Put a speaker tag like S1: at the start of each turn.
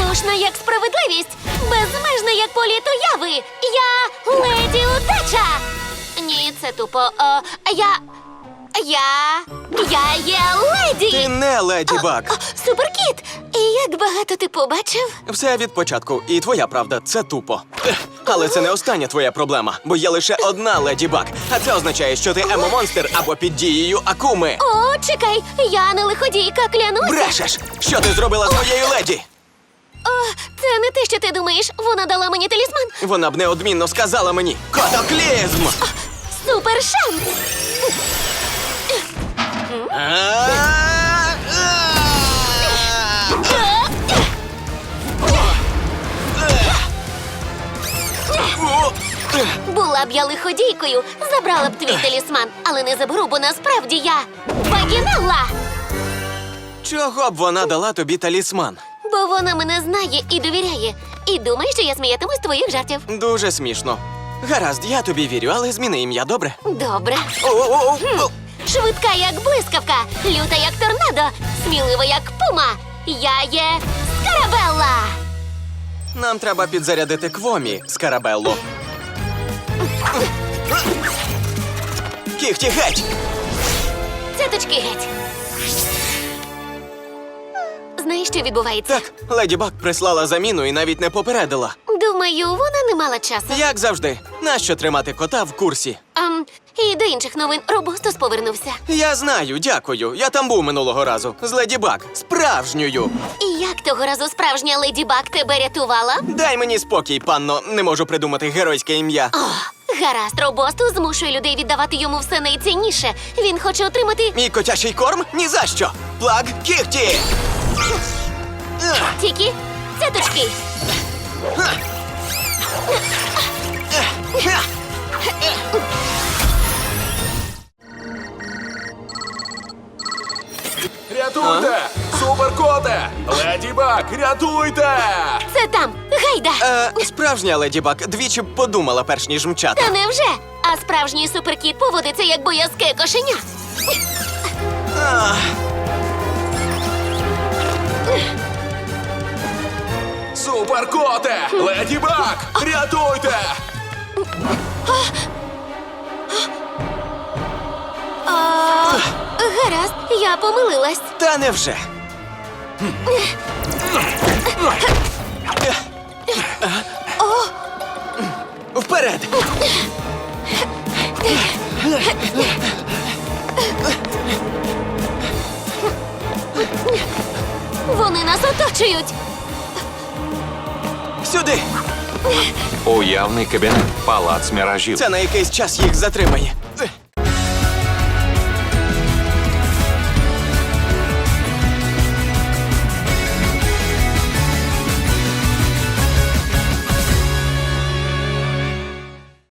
S1: Відчайдушна, як справедливість, безмежна, як політ уяви. Я леді удача. Ні, це тупо. Я є леді.
S2: Ти не Леді Баг.
S1: Суперкіт! І як багато ти побачив?
S2: Все від початку. І твоя правда, це тупо. Але це не остання твоя проблема, бо є лише одна Леді Баг. А це означає, що ти емо-монстр або під дією Акуми.
S1: О, чекай, я не лиходійка, клянуся.
S2: Брешеш! Що ти зробила з моєю леді?
S1: О, це не те, що ти думаєш. Вона дала мені талісман.
S2: Вона б неодмінно сказала мені «Катаклізм!»
S1: Супер шанс! Була б я лиходійкою, забрала б твій талісман, але не заберу, бо насправді я Багінелла!
S2: Чого б вона дала тобі талісман?
S1: Бо вона мене знає і довіряє. І думає, що я сміятимусь з твоїх жартів.
S2: Дуже смішно. Гаразд, я тобі вірю, але зміни ім'я, добре?
S1: Добре.
S2: О-о-о!
S1: Швидка, як блискавка, люта, як торнадо, смілива, як пума. Я є Скарабелла!
S2: Нам треба підзарядити Квомі, Скарабелло. Кіхті геть!
S1: Цяточки геть. Знаєш, що відбувається?
S2: Так, Леді Баг прислала заміну і навіть не попередила.
S1: Думаю, вона не мала часу.
S2: Як завжди, нащо тримати кота в курсі?
S1: І до інших новин Робостос повернувся.
S2: Я знаю, дякую. Я там був минулого разу. З Леді Баг. Справжньою.
S1: І як того разу справжня Леді Баг тебе рятувала?
S2: Дай мені спокій, панно. Не можу придумати геройське ім'я.
S1: О, гаразд, Робостос змушує людей віддавати йому все найцінніше. Він хоче отримати
S2: Мій котячий корм? Ні за що. Плаг кіхті!
S1: тільки цяточки.
S3: Рятуйте! Суперкоте! Леді Баг, рятуйте!
S1: Це там, гайда!
S2: Справжня Леді Баг двічі б подумала, перш ніж мчати.
S1: Та невже? А справжній суперкіт поводиться як боязке кошеня.
S3: Суперкоте! Леді Баг, рятуйте!
S1: Гаразд, я помилилась.
S2: Та невже. Вперед!
S1: Вони нас оточують.
S2: Сюди!
S4: Уявний кабінет. Палац міражів.
S2: Це на якийсь час їх затримає.